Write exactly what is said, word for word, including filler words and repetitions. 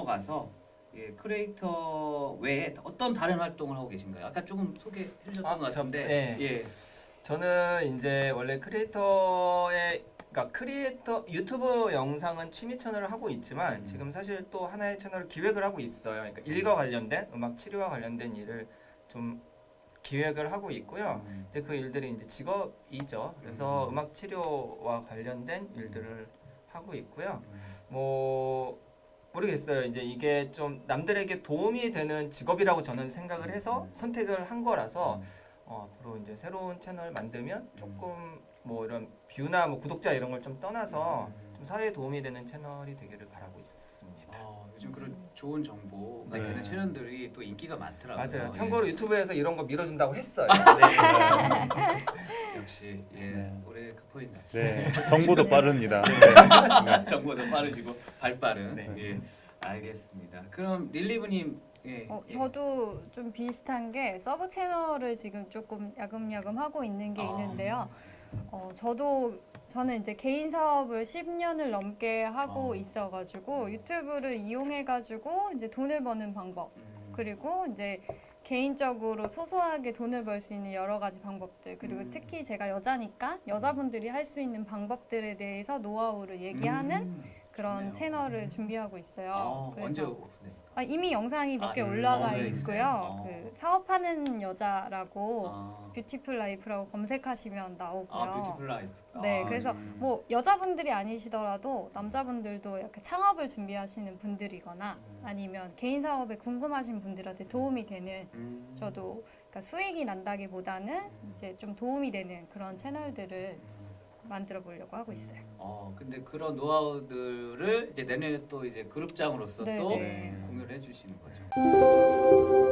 넘어가서 예, 크리에이터 외에 어떤 다른 활동을 하고 계신가요? 아까 조금 소개해 주셨던 아, 것 저- 같은데 네. 예. 저는 이제 원래 크리에이터의 그러니까 크리에이터 유튜브 영상은 취미 채널을 하고 있지만 음. 지금 사실 또 하나의 채널을 기획을 하고 있어요. 그러니까 일과 관련된 음악 치료와 관련된 일을 좀 기획을 하고 있고요. 음. 이제 그 일들이 이제 직업이죠. 그래서 음. 음악 치료와 관련된 일들을 하고 있고요. 음. 뭐 모르겠어요. 이제 이게 좀 남들에게 도움이 되는 직업이라고 저는 생각을 해서 음. 선택을 한 거라서 음. 어, 앞으로 이제 새로운 채널 만들면 조금 뭐 이런 뷰나 뭐 구독자 이런 걸 좀 떠나서 음. 좀 사회에 도움이 되는 채널이 되기를 바라고 있습니다. 어, 요즘 그런 좋은 정보가 네. 되는 채널들이 또 인기가 많더라고요. 맞아요. 예. 참고로 유튜브에서 이런 거 밀어준다고 했어요. 역시 예, 네. 올해 그 포인트. 네, 정보도 빠릅니다. 네. 정보도 빠르시고 발빠른. 네. 예, 알겠습니다. 그럼 릴리브님, 예, 어, 예. 저도 좀 비슷한 게 서브 채널을 지금 조금 야금야금 하고 있는 게 아. 있는데요. 어, 저도 저는 이제 개인 사업을 십 년을 넘게 하고 어. 있어가지고 유튜브를 이용해가지고 이제 돈을 버는 방법 음. 그리고 이제 개인적으로 소소하게 돈을 벌 수 있는 여러 가지 방법들 그리고 음. 특히 제가 여자니까 여자분들이 할 수 있는 방법들에 대해서 노하우를 얘기하는 음. 그런 좋네요. 채널을 준비하고 있어요. 아, 그래서 언제 오픈됩니까? 아, 이미 영상이 몇 개 아, 올라가 네, 있고요. 있어요? 그 사업하는 여자라고 아, 뷰티풀 라이프라고 검색하시면 나오고요. 아 뷰티풀 라이프. 네, 아, 그래서 음. 뭐 여자분들이 아니시더라도 남자분들도 이렇게 창업을 준비하시는 분들이거나 음. 아니면 개인 사업에 궁금하신 분들한테 도움이 되는 음. 저도 그러니까 수익이 난다기보다는 음. 이제 좀 도움이 되는 그런 채널들을 음. 만들어 보려고 하고 있어요. 어, 근데 그런 노하우들을 이제 내년에 또 이제 그룹장으로서 네, 또 네. 공유를 해주시는 거죠.